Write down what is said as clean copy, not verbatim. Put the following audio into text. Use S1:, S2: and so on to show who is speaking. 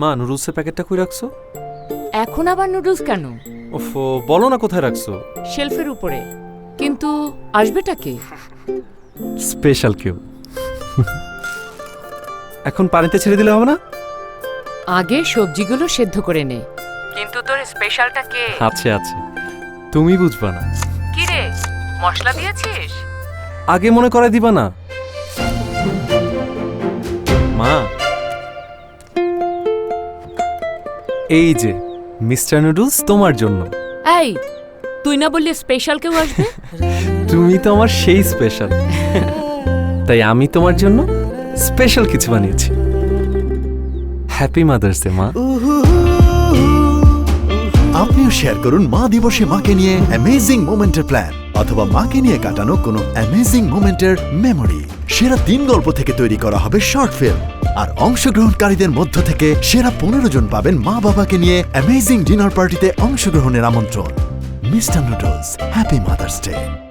S1: মা নুডলসের প্যাকেটটা কই রাখছো?
S2: এখন আবার নুডলস কেন?
S1: ওফো, বলো না কোথায় রাখছো।
S2: শেলফের উপরে। কিন্তু আসবেটা কে?
S1: স্পেশাল কেউ। এখন পানিতে ছেড়ে দিলে হবে না?
S2: আগে সবজিগুলো সেদ্ধ করে নে। কিন্তু তোর স্পেশালটা কে?
S1: আছে আছে, তুমি বুঝবা না।
S2: কি রে, মশলা দিয়েছিস?
S1: আগে মনে করাই দিবা না মা। এই যে মিস্টার নুডলস তোমার জন্য।
S2: এই, তুই না বললি স্পেশাল কেউ আসবে?
S1: তুমি তো আমার সেই স্পেশাল, তাই আমি তোমার জন্য স্পেশাল কিছু বানিয়েছি। হ্যাপি মাদার্স ডে মা।
S3: আপনিও শেয়ার করুন মা দিবসে মাকে নিয়ে অ্যামেজিং মোমেন্টের প্ল্যান, অথবা মাকে নিয়ে কাটানো কোনো অ্যামেজিং মোমেন্টের মেমোরি। সেরা 3 গল্প থেকে তৈরি করা হবে শর্ট ফিল্ম, আর অংশগ্রহণকারীদের মধ্য থেকে সেরা 15 জন পাবেন মা বাবাকে নিয়ে অ্যামেজিং ডিনার পার্টিতে অংশগ্রহণের আমন্ত্রণ। Mister noodles, happy mother's day.